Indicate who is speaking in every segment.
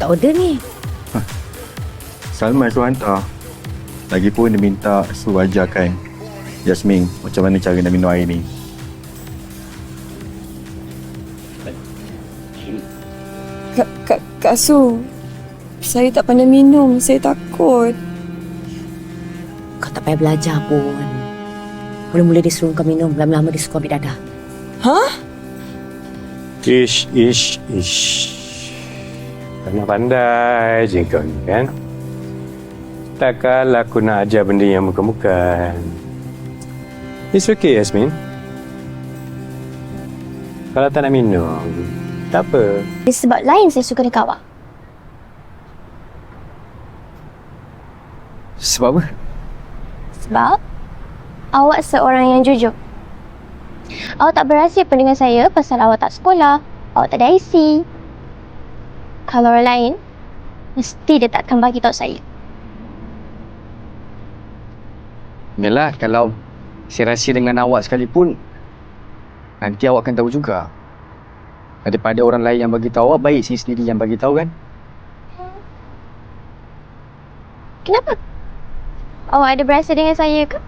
Speaker 1: tak order ni?
Speaker 2: Salman suruh hantar. Lagipun dia minta suruh ajarkan Yasmin macam mana cara nak minum air ni.
Speaker 3: Kak Su, saya tak pandai minum. Saya takut.
Speaker 1: Kau tak payah belajar pun. Mula-mula dia suruh kau minum, lama-lama dia suka ambil dadah.
Speaker 3: Hah?
Speaker 4: Ish. Pandai-pandai je kau ni kan. Takkanlah aku nak ajar benda yang bukan-bukan. It's okay, Yasmin. Kalau tak nak minum, tak apa.
Speaker 5: Sebab lain saya suka dekat awak.
Speaker 2: Sebab apa?
Speaker 5: Sebab awak seorang yang jujur. Awak tak berahsia pun dengan saya pasal awak tak sekolah. Awak tak ada IC. Kalau orang lain, mesti dia takkan bagi tahu saya.
Speaker 6: Yalah, kalau saya rahsia dengan awak sekalipun, nanti awak akan tahu juga. Daripada orang lain yang bagi tahu awak, baik saya sendiri yang bagi tahu kan?
Speaker 5: Kenapa? Awak ada berahsia dengan saya ke?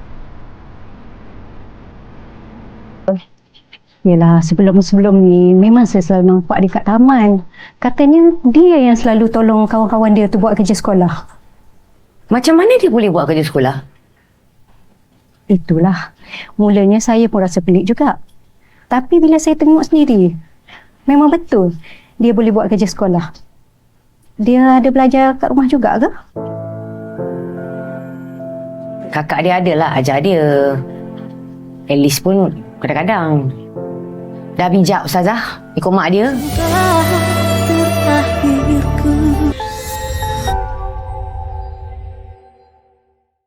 Speaker 7: Yelah, sebelum-sebelum ni memang saya selalu nampak dia kat taman. Katanya dia yang selalu tolong kawan-kawan dia tu buat kerja sekolah.
Speaker 1: Macam mana dia boleh buat kerja sekolah?
Speaker 7: Itulah. Mulanya saya pun rasa pelik juga. Tapi bila saya tengok sendiri, memang betul dia boleh buat kerja sekolah. Dia ada belajar kat rumah juga ke?
Speaker 1: Kakak dia adalah ajar dia. At least pun kadang-kadang. Dah bijak Ustazah ikut mak dia.